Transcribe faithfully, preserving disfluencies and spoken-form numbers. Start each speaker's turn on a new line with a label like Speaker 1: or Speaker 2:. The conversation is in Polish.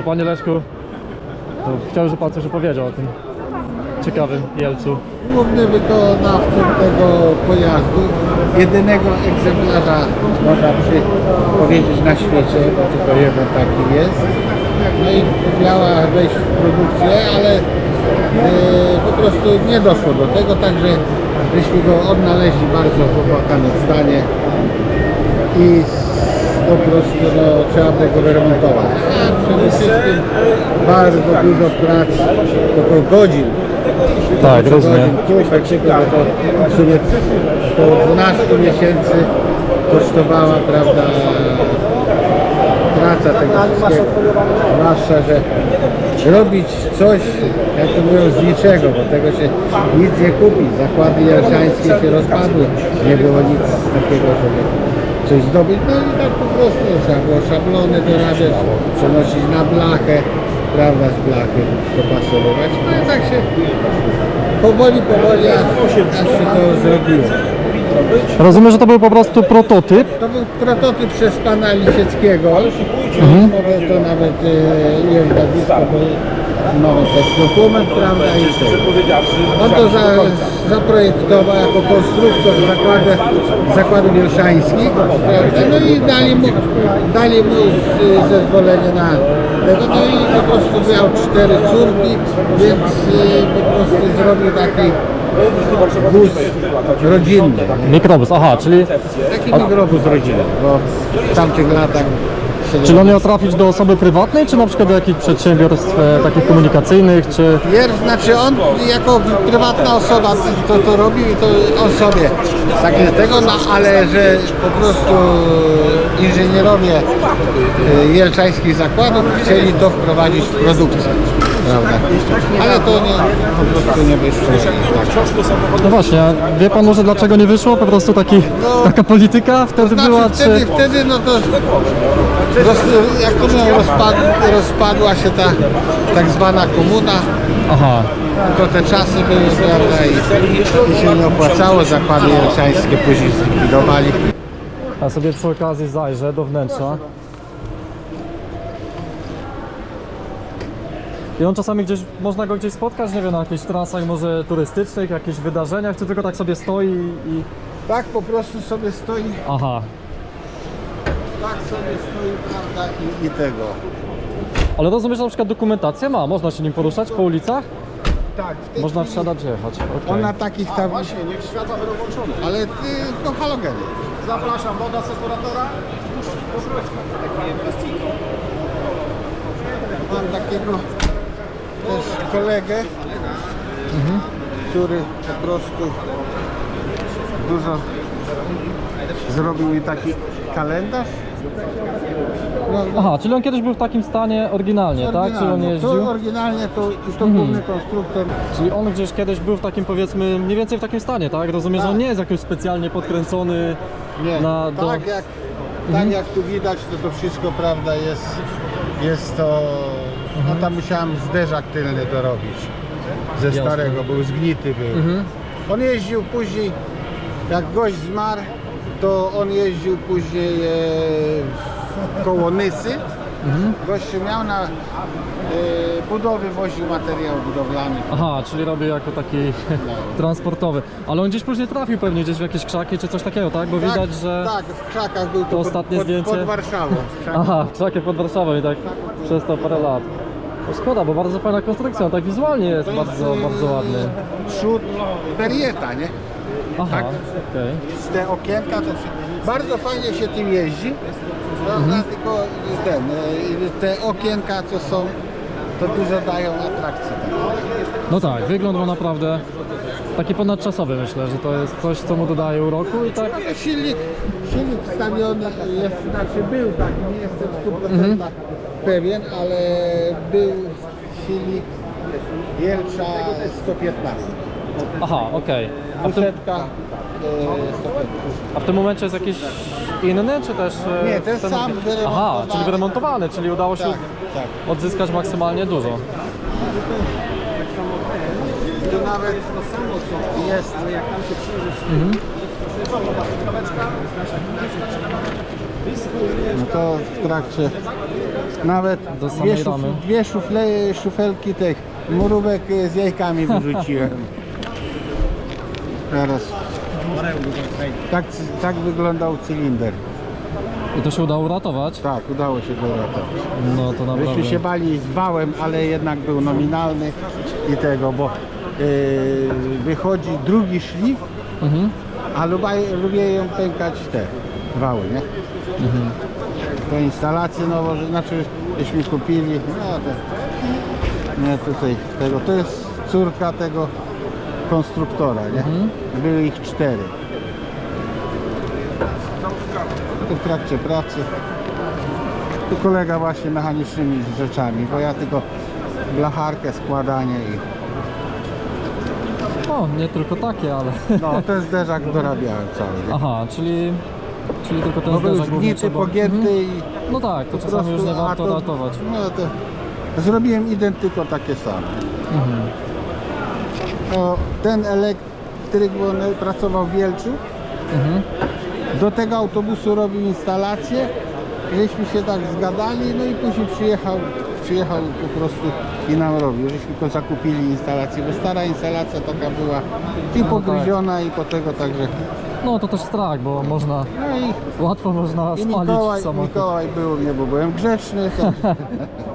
Speaker 1: To panie Leszku, to chciałbym, żeby pan coś opowiedział o tym ciekawym Jelczu.
Speaker 2: Główny wykonawcą tego pojazdu, jedynego egzemplarza, można przy, powiedzieć, na świecie, bo tylko jeden taki jest. No i miała wejść w produkcję, ale e, po prostu nie doszło do tego, także żeśmy go odnaleźli bardzo w opłakanym stanie i po prostu no, trzeba było go wyremontować. A przede wszystkim bardzo dużo prac, około godzin.
Speaker 1: Tak, rozumiem.
Speaker 2: Kupę, to w sumie około dwanaście miesięcy kosztowała, prawda, praca tego wszystkiego. Zwłaszcza, że robić coś, jak to mówią, z niczego, bo tego się nic nie kupi. Zakłady jelczańskie się rozpadły, nie było nic takiego, żeby coś zdobyć. No i tak po prostu trzeba było szablony dorabiać, przenosić na blachę, prawda, z blachy dopasowywać. No i tak się powoli, powoli, aż, aż się to zrobiło.
Speaker 1: Rozumiem, że to był po prostu prototyp.
Speaker 2: To był prototyp przez pana Lisieckiego. Mhm. Mogę to nawet e, jest nazwisko, bo mamy też dokument, prawda, i to. On to za, zaprojektował jako konstruktor zakładu, zakładów jelczańskich, prawda, no i dali mu, dali mu z, zezwolenie na tego, no i po prostu miał cztery córki, więc e, po prostu zrobił taki wóz rodzinny.
Speaker 1: Mikrobus, aha, czyli,
Speaker 2: Taki mikrobus rodzinny, bo w tamtych latach...
Speaker 1: czyli on miał trafić do osoby prywatnej, czy na przykład do jakichś przedsiębiorstw e, takich komunikacyjnych, czy...
Speaker 2: Pier- znaczy on jako prywatna osoba to, to robił i to on sobie takie tego, no, ale że po prostu inżynierowie y, jelczańskich zakładów chcieli to wprowadzić w produkcję, prawda? Ale to nie, po prostu nie wyszło.
Speaker 1: No właśnie, a wie pan może dlaczego nie wyszło? Po prostu taki,
Speaker 2: No,
Speaker 1: taka polityka wtedy
Speaker 2: Znaczy
Speaker 1: była,
Speaker 2: wtedy,
Speaker 1: czy...
Speaker 2: wtedy no to roz, jak to mówią, rozpad, rozpadła się ta tak zwana komuna.
Speaker 1: Aha,
Speaker 2: To te czasy były, prawda, i, i się nie opłacało, zakłady jelczańskie później zlikwidowali.
Speaker 1: ja sobie przy okazji zajrzę do wnętrza. I on czasami gdzieś, można go gdzieś spotkać, nie wiem, na jakichś trasach może turystycznych, jakichś wydarzeniach, czy tylko tak sobie stoi i...
Speaker 2: Tak po prostu sobie stoi,
Speaker 1: Aha,
Speaker 2: tak sobie stoi, prawda, i, i tego.
Speaker 1: ale rozumiesz, że na przykład dokumentacja ma, można się nim poruszać po ulicach?
Speaker 2: Tak, w tej
Speaker 1: Można
Speaker 2: chwili
Speaker 1: wsiadać, jechać, okej.
Speaker 2: on na takich tam...
Speaker 3: Właśnie, niech światła będą włączone.
Speaker 2: Ale ty, no halogeny.
Speaker 3: Zapraszam, woda z restauratora.
Speaker 2: Mam takiego też kolegę,
Speaker 1: Mhm.
Speaker 2: który po prostu dużo zrobił mi taki kalendarz. No,
Speaker 1: Aha, czyli on kiedyś był w takim stanie oryginalnie, tak? Czyli on
Speaker 2: oryginalnie.
Speaker 1: jeździł?
Speaker 2: To oryginalnie to, i to
Speaker 1: Mhm.
Speaker 2: główny konstruktor.
Speaker 1: Czyli on gdzieś kiedyś był w takim, powiedzmy, mniej więcej w takim stanie, tak? Rozumiem, że on
Speaker 2: Tak.
Speaker 1: nie jest jakoś specjalnie podkręcony
Speaker 2: Nie,
Speaker 1: na... Do...
Speaker 2: tak, jak, tak jak tu widać, to to wszystko, prawda, jest, jest to... No tam musiałem zderzak tylny dorobić ze
Speaker 1: Jasne.
Speaker 2: starego, był zgnity był.
Speaker 1: Mhm.
Speaker 2: On jeździł później, jak gość zmarł, to on jeździł później e, koło Nysy.
Speaker 1: Mhm.
Speaker 2: Gościu miał na e, budowy, woził materiał budowlany.
Speaker 1: Aha, czyli robił jako taki transportowy. Ale on gdzieś później trafił pewnie gdzieś w jakieś krzaki czy coś takiego, tak? Bo
Speaker 2: Tak,
Speaker 1: widać, że...
Speaker 2: Tak, w krzakach był to
Speaker 1: ostatnie
Speaker 2: pod,
Speaker 1: zdjęcie.
Speaker 2: pod Warszawą. w krzakach.
Speaker 1: Aha, w krzakach pod Warszawą i tak przez to parę lat. No szkoda, bo bardzo fajna konstrukcja, on tak wizualnie jest
Speaker 2: To jest,
Speaker 1: bardzo,
Speaker 2: e,
Speaker 1: bardzo ładny.
Speaker 2: Przód Berrieta, nie?
Speaker 1: Aha,
Speaker 2: tak.
Speaker 1: okej.
Speaker 2: Z te okienka to się, bardzo fajnie się tym jeździ, prawda?
Speaker 1: Mhm.
Speaker 2: Tylko ten, e, te okienka co są, to dużo dają atrakcji.
Speaker 1: No tak, wygląd ma naprawdę taki ponadczasowy, myślę, że to jest coś, co mu dodaje uroku i tak...
Speaker 2: Ale silnik, silnik wstawiony jest, znaczy był taki, nie jestem w stu procentach pewien, ale był silnik Jelcza sto piętnaście.
Speaker 1: Aha, okej. A, w tym-
Speaker 2: Dwusetka e, sto piętnaście.
Speaker 1: a w tym momencie jest jakiś inny, czy też... e,
Speaker 2: Nie, ten sam
Speaker 1: Aha,
Speaker 2: wyremontowany.
Speaker 1: czyli wyremontowany, czyli udało się
Speaker 2: Tak, tak.
Speaker 1: odzyskać maksymalnie dużo.
Speaker 2: To nawet to samo co jest, ale jak tam się przyjrzysz, No to w trakcie nawet
Speaker 1: Do
Speaker 2: dwie,
Speaker 1: samej
Speaker 2: szuf,
Speaker 1: ramy.
Speaker 2: dwie szufle, szufelki tych mrówek z jajkami wyrzuciłem. Teraz tak, tak wyglądał cylinder.
Speaker 1: I to się udało uratować?
Speaker 2: Tak, udało się go uratować.
Speaker 1: No to naprawdę.
Speaker 2: Myśmy się bali z wałem, ale jednak był nominalny i tego, bo yy, wychodzi drugi szlif,
Speaker 1: Mhm.
Speaker 2: a lubię, lubię ją pękać te wały, nie?
Speaker 1: Mhm.
Speaker 2: To instalacje nowo, że- znaczy żeśmy kupili, no to nie tutaj tego, to jest córka tego konstruktora, nie?
Speaker 1: Mhm.
Speaker 2: Były ich cztery. To w trakcie pracy. Tu kolega właśnie mechanicznymi rzeczami, bo ja tylko blacharkę, składanie i
Speaker 1: O, nie tylko takie, ale...
Speaker 2: no ten zderzak dorabiałem cały, nie?
Speaker 1: Aha, czyli... Czyli tylko ten
Speaker 2: No był
Speaker 1: zderzak głównie
Speaker 2: zgnity,
Speaker 1: trzeba-
Speaker 2: pogięty
Speaker 1: Mhm.
Speaker 2: i
Speaker 1: No tak, to
Speaker 2: po
Speaker 1: czasami już nie
Speaker 2: prostu, a
Speaker 1: warto
Speaker 2: to-
Speaker 1: ratować.
Speaker 2: No to zrobiłem identyko takie same.
Speaker 1: Mhm.
Speaker 2: No, ten elektryk, bo on pracował w Wielczu,
Speaker 1: Mhm.
Speaker 2: do tego autobusu robił instalację, żeśmy się tak zgadali, no i później przyjechał, przyjechał po prostu i nam robił, żeśmy go zakupili instalację, bo stara instalacja taka była i
Speaker 1: No
Speaker 2: pogryziona i po tego także,
Speaker 1: No to też strach, bo można...
Speaker 2: no i,
Speaker 1: Łatwo można
Speaker 2: i
Speaker 1: spalić
Speaker 2: Mikołaj,
Speaker 1: samochód.
Speaker 2: Mikołaj był mnie, bo byłem grzeczny, tak.